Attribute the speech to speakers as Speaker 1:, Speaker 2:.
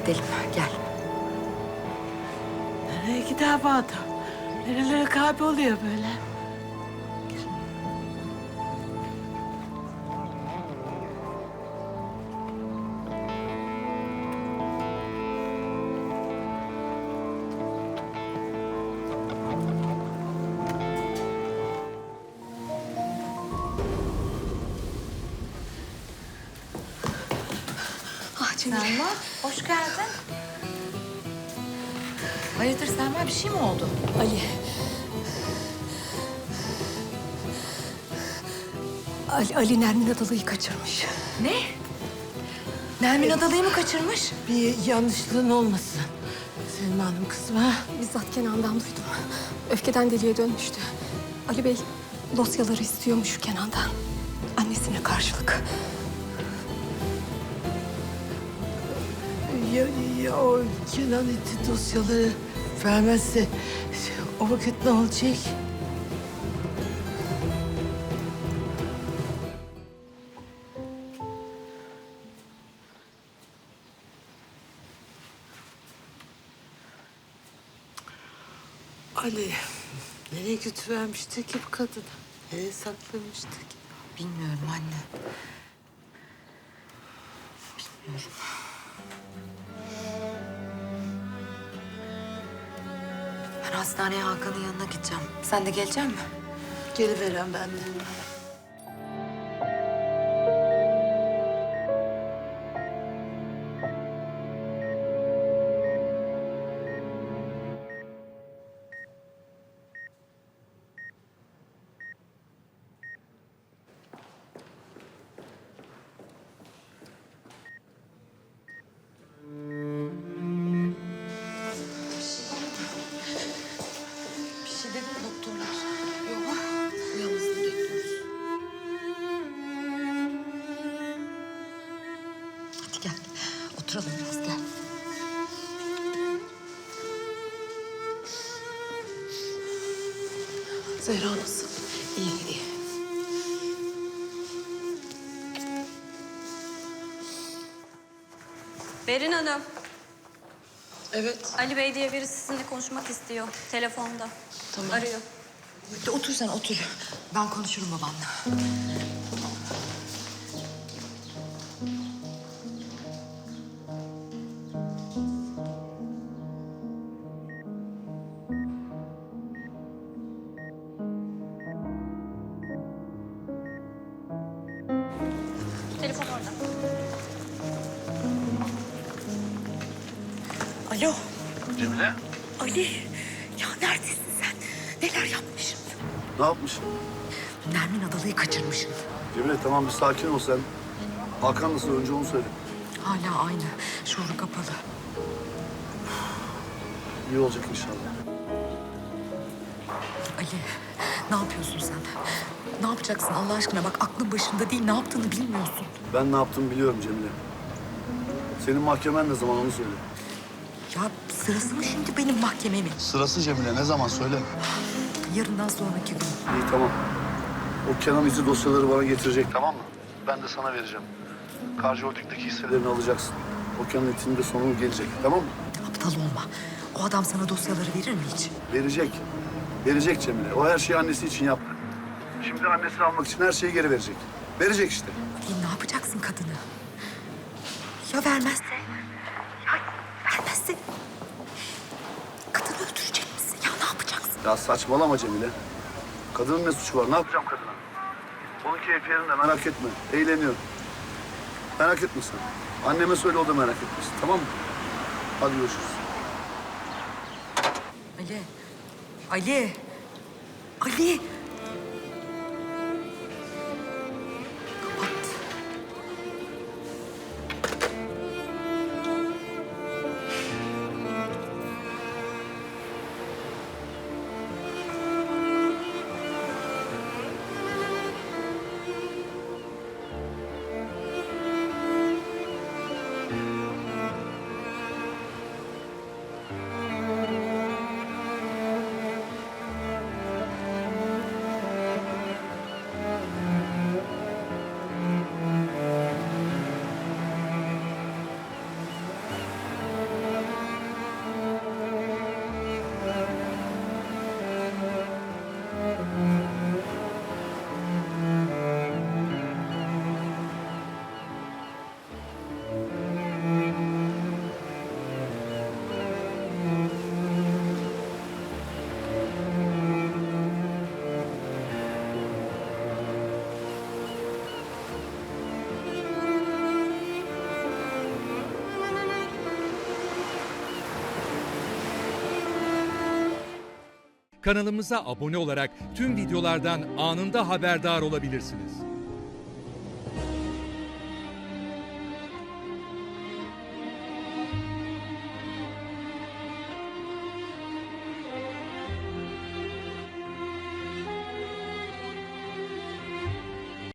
Speaker 1: gidelim, gel.
Speaker 2: Nereye gider bu adam? Nerelere kayboluyor böyle?
Speaker 1: Ah Cemile.
Speaker 3: Selma, hoş geldin. Hayırdır Selma, bir şey mi oldu?
Speaker 1: Ali. Ali Nermin Adalı'yı kaçırmış.
Speaker 3: Ne? Nermin Adalı'yı mı kaçırmış?
Speaker 2: Bir yanlışlığın olmasın. Selma Hanım kızım ha?
Speaker 1: Bizzat Kenan'dan duydum. Öfkeden deliye dönmüştü. Ali Bey dosyaları istiyormuş Kenan'dan. Annesine karşılık.
Speaker 2: Ya o Kenan iti dosyaları vermezse o vakit ne olacak? Ali, nereye götürvermişti ki bu kadını? Nereye saklamıştı ki?
Speaker 3: Bilmiyorum anne. Bilmiyorum. Ben hastaneye Hakan'ın yanına gideceğim. Sen de gelecek misin?
Speaker 2: Geliveren ben de.
Speaker 3: Bir şey dedi mi doktorlar? Yok. Uyanmasını bekliyoruz. Hadi gel. Oturalım biraz, gel.
Speaker 2: Zehra nasıl?
Speaker 3: İyi, iyi.
Speaker 4: Berin Hanım,
Speaker 2: Evet.
Speaker 4: Ali Bey diye biri sizinle konuşmak istiyor. Telefonda. Tamam. Arıyor.
Speaker 3: Otur sen, otur. Ben konuşurum babanla.
Speaker 4: Telefon orada.
Speaker 1: Alo.
Speaker 5: Cemile,
Speaker 1: Ali. Ya neredesin sen? Neler yapmışım?
Speaker 5: ne yapmışsın?
Speaker 3: Nermin Adalı'yı kaçırmışsın.
Speaker 5: Cemile tamam bir sakin ol sen. Hakan nasıl? Önce onu söyle.
Speaker 3: Hala aynı. Şuuru kapalı.
Speaker 5: İyi olacak inşallah.
Speaker 3: Ali, ne yapıyorsun sen? Ne yapacaksın Allah aşkına? Bak aklın başında değil, ne yaptığını bilmiyorsun.
Speaker 5: Ben ne yaptığımı biliyorum Cemile. Senin mahkemen ne zaman onu söyle.
Speaker 3: Ya sırası mı şimdi benim mahkememin?
Speaker 5: Sırası Cemile ne zaman söyle.
Speaker 3: Yarından sonraki gün.
Speaker 5: İyi tamam. O Kenan izi dosyaları bana getirecek tamam mı? Ben de sana vereceğim. Karşı Holding'deki hisselerini alacaksın. O Kenan itinin de sonu gelecek tamam mı?
Speaker 3: Aptal olma. O adam sana dosyaları verir mi hiç?
Speaker 5: Verecek. Verecek Cemile. O her şeyi annesi için yaptı. Şimdi annesini almak için her şeyi geri verecek. Verecek işte.
Speaker 3: Ali ne yapacaksın kadını? Ya vermezse? Ya vermezse? Kadını öldürecek misin? Ya ne yapacaksın?
Speaker 5: Ya saçmalama Cemile. Kadının ne suçu var? Ne yapacağım kadına? Onun keyfi yerinde merak etme. Eğleniyor. Merak etme sen. Anneme söyle o da merak etmesin. Tamam mı? Hadi görüşürüz.
Speaker 3: Ali. Ali. Ali. Kapat.
Speaker 6: Kanalımıza abone olarak tüm videolardan anında haberdar olabilirsiniz.